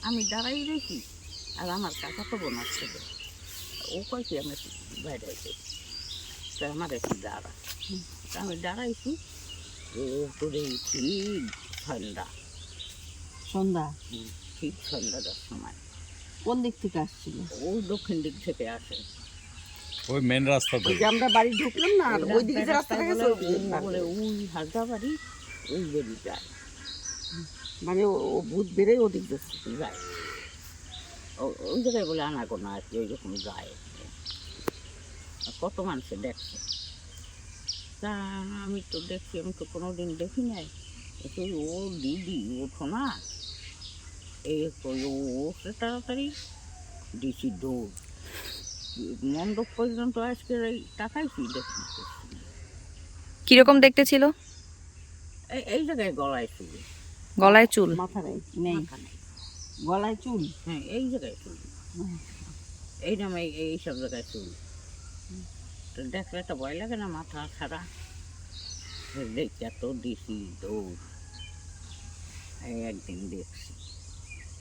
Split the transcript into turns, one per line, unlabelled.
আমি দাঁড়াই রয়েছি, আর আমার কাকা তো বোন আসছে, ও কয় কি আমি বাইরে আছি, তা আমার একটু দাঁড়া, তা আমি দাঁড়াইছি, ও করে ঠিক সন্ধ্যা,
সন্ধ্যা
ঠিক সন্ধ্যাটার সময়।
কোন দিক থেকে আসছিল?
ও দক্ষিণ দিক থেকে আসে,
ওই মেন রাস্তা
ওই যে আমরা বাড়ি ঢুকলাম না, আর ওই দিকে যে রাস্তাটা গেছে ওই দিকে পার
বলে
করে।
ওই হাজা বাড়ি, ওই বেরি যায়
মানে ও ভূত বেড়ে ওদিক যাচ্ছে।
যায়, ওই জায়গায় বলে আনাগোনা আর কি, ওইরকম যায়। কত মানুষে দেখছে, তা আমি তো দেখছি, আমি তো কোনো দিন দেখি নাই। তুই ও দিদি ওঠো না, এই কই ও ওঠে তাড়াতাড়ি, দিছি দৌড় মণ্ডপ পর্যন্ত, আজকে এই তাকাইছি দেখি
কিরকম দেখতে ছিল?
এই জায়গায় গলায় চুল,
গলায় চুল?
মাথা নেই,
মাথা নেই,
গলায় চুল।
হ্যাঁ এই জায়গায় চুল, এই নামে এইসব জায়গায় চুল। তো দেখলে তো ভয় লাগে না, মাথা ছাড়া দেখে তো দিছি দৌড়। এই একদিন দেখছি।